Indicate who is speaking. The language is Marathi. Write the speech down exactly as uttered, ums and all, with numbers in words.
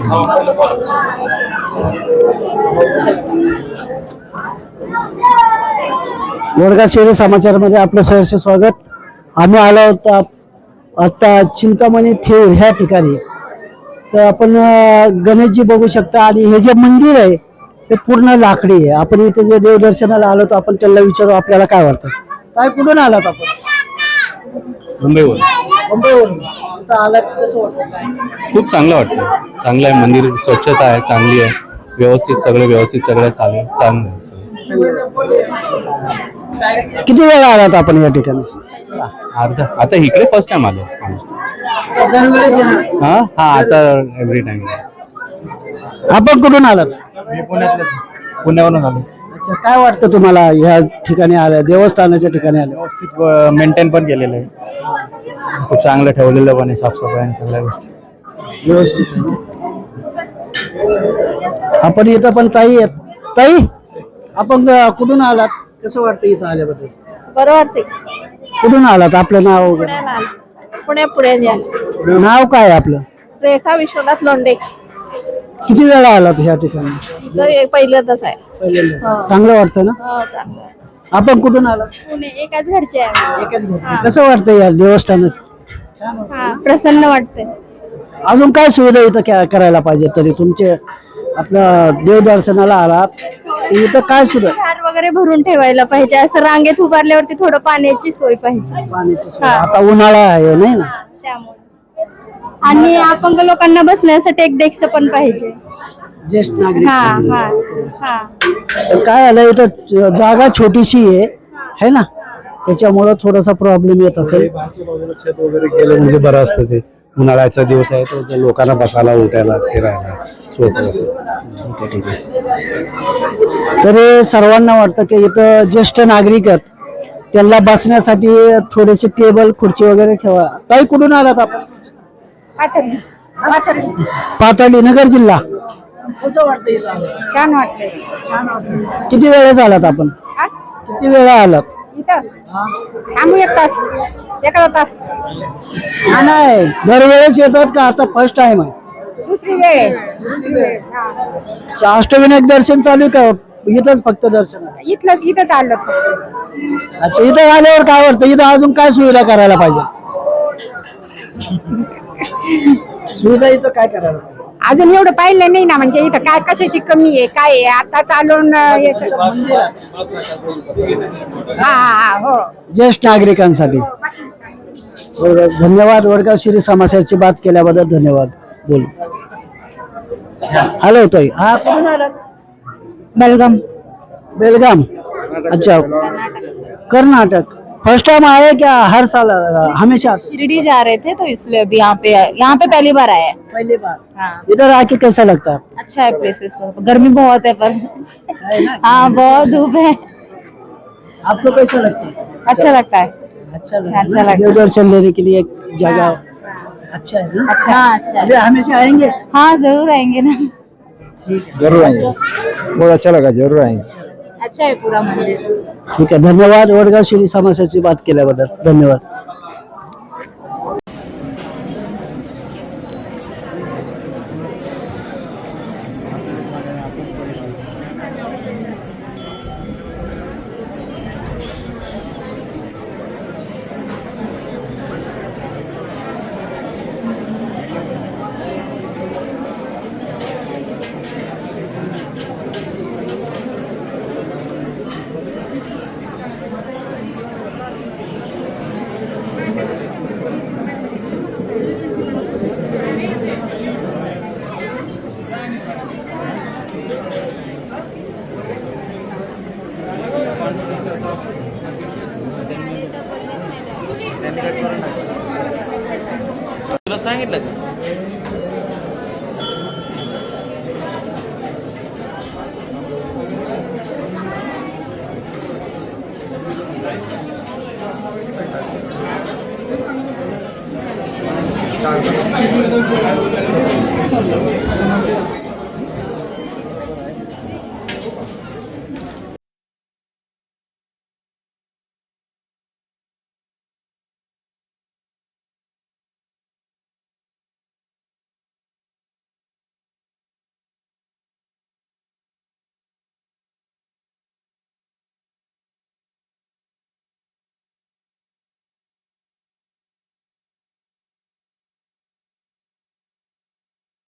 Speaker 1: वडगाव शहरी समाचारमध्ये आपलं सहर्ष स्वागत. आम्ही आलो होतो आता चिंतामणी थेऊर ह्या ठिकाणी. तर आपण गणेशजी बघू शकता आणि हे जे मंदिर आहे ते पूर्ण लाकडी आहे. आपण इथे जे देवदर्शनाला आलो तर आपण त्याला विचारू आपल्याला काय वाटतं. काय कुठून आलात आपण?
Speaker 2: मुंबईवरून.
Speaker 1: मुंबईवरून इथं आलात, कसं वाटतं?
Speaker 2: खूप चांगलं वाटतं. चांगलं आहे मंदिर, स्वच्छता आहे, चांगली आहे, व्यवस्थित सगळं व्यवस्थित सगळं चालू आहे, चांगलं आहे सगळं.
Speaker 1: किती वेळा आलात आपण या ठिकाणी?
Speaker 2: अर्धा आता इकडे फर्स्ट टाइम आलो. हा हा आता एव्हरी टाइम.
Speaker 1: आपण कुठून आलात?
Speaker 3: मी पुण्यातलं पुण्यावरून आलो.
Speaker 1: अच्छा, काय वाटतं तुम्हाला ह्या ठिकाणी आलं, देवस्थानाच्या ठिकाणी आलं?
Speaker 3: व्यवस्थित मेंटेन पण केलेलं आहे, खूप चांगलं ठेवलेलं पण आहे, साफसफाई आणि सगळ्या गोष्टी
Speaker 1: व्यवस्थित. आपण इथं पण ताई आहेत. ताई, आपण कुठून आलात? कसं वाटतं इथं आल्याबद्दल?
Speaker 4: बरं वाटते.
Speaker 1: कुठून आलात? आपलं नाव वगैरे?
Speaker 4: पुणे पुणे
Speaker 1: नाव काय आहे आपलं?
Speaker 4: रेखा विश्वनाथ लोंढे.
Speaker 1: किती वेळा आलात ह्या ठिकाणी?
Speaker 4: इथं एक पहिल्यांदाच आहे.
Speaker 1: पहिल्यांदा. चांगलं वाटतं ना?
Speaker 4: हो, चांगलं आहे.
Speaker 1: आपण कुठून आलात?
Speaker 4: पुणे, एकाच घरचे आहे.
Speaker 1: एकाच घरचे. कसं वाटतं या देवस्थानात?
Speaker 4: हा, प्रसन्न वाटते.
Speaker 1: अजून काय सुविधा इथं क्या- करायला पाहिजे तरी तुमचे आपलं देवदर्शनाला आलात इथं काय सुविधा?
Speaker 4: हार वगैरे भरून ठेवायला पाहिजे. असं रांगेत उभारल्यावरती थोडं पाण्याची सोय पाहिजे.
Speaker 1: पाण्याची सोय. आता उन्हाळा आहे नाही ना?
Speaker 4: त्यामुळे आणि अपंग लोकांना बसण्यासाठी एक डेस्क पण पाहिजे.
Speaker 1: ज्येष्ठ नागरिक.
Speaker 4: हा हा हा
Speaker 1: तर काय आलं इथं जागा छोटीशी आहे है ना, त्याच्यामुळं थोडासा प्रॉब्लेम येत असेल.
Speaker 5: छत वगैरे केलं म्हणजे बरं असतं. ते उन्हाळ्याचा दिवस आहे तर लोकांना बसायला उठायला फिरायला सोपं होतं.
Speaker 1: ठीक आहे ठीक आहे. तर सर्वांना वाटतं की इथं ज्येष्ठ नागरिक आहेत, त्यांना बसण्यासाठी थोडेसे टेबल खुर्ची वगैरे ठेवा. काही कुठून आलात आपण? पाथर्डी, नगर जिल्हा. कसं वाटतं इथं आलं?
Speaker 4: छान वाटते.
Speaker 1: छान वाटतं. किती वेळेस आलात आपण? किती वेळा आलात?
Speaker 4: इथं आम्ही एक तास एखादा तास
Speaker 1: हा, नाही दरवेळेस येतात का आता फर्स्ट टाइम आहे?
Speaker 4: दुसरी वेळ आहे. दुसरी वेळ हा.
Speaker 1: अष्टविनायक दर्शन चालू आहे का इथंच फक्त दर्शन?
Speaker 4: इथलं इथं चाललं.
Speaker 1: अच्छा, इथं आल्यावर काय वाटतं? इथं अजून काय सुविधा करायला पाहिजे? सुविधा इथं काय करायला पाहिजे?
Speaker 4: अजून एवढं पाहिलं नाही ना, म्हणजे इथं काय कशाची कमी आहे काय आहे आता चालून येतं. हा हा हो.
Speaker 1: ज्येष्ठ नागरिकांसाठी धन्यवाद. वडगाव शिरी समाजाची बात केल्याबद्दल धन्यवाद. बोल. हॅलो ताई. हा, कुठून आलात?
Speaker 4: बेलगाम.
Speaker 1: बेलगाम. अच्छा, कर्नाटक. फर्स्ट टाइम आए क्या हर साल हमेशा?
Speaker 4: शिरडी जा रहे थे तो इसलिए अभी यहाँ पे यहाँ पे पहली बार आए हैं।
Speaker 1: पहली बार.
Speaker 4: हाँ,
Speaker 1: इधर आके कैसा लगता है?
Speaker 4: अच्छा है प्लेसेस पर। गर्मी बहुत है पर हाँ बहुत धूप है।
Speaker 1: आपको कैसा लगता है?
Speaker 4: अच्छा लगता है।
Speaker 1: अच्छा
Speaker 4: अच्छा लगता है।
Speaker 1: देव दर्शन लेने के लिए एक जगह अच्छा है ना?
Speaker 4: अच्छा हाँ, अच्छा
Speaker 1: अभी हमेशा आएंगे?
Speaker 4: हाँ जरूर आएंगे ना।
Speaker 5: जरूर आएंगे, बहुत अच्छा लगा, जरूर आएंगे.
Speaker 4: अच्छा है पूरा मंदिर।
Speaker 1: ठीक आहे, धन्यवाद. वडगाव शिरी समाजाची बात केल्याबद्दल धन्यवाद.
Speaker 6: तुला सांगितलं का?
Speaker 7: चार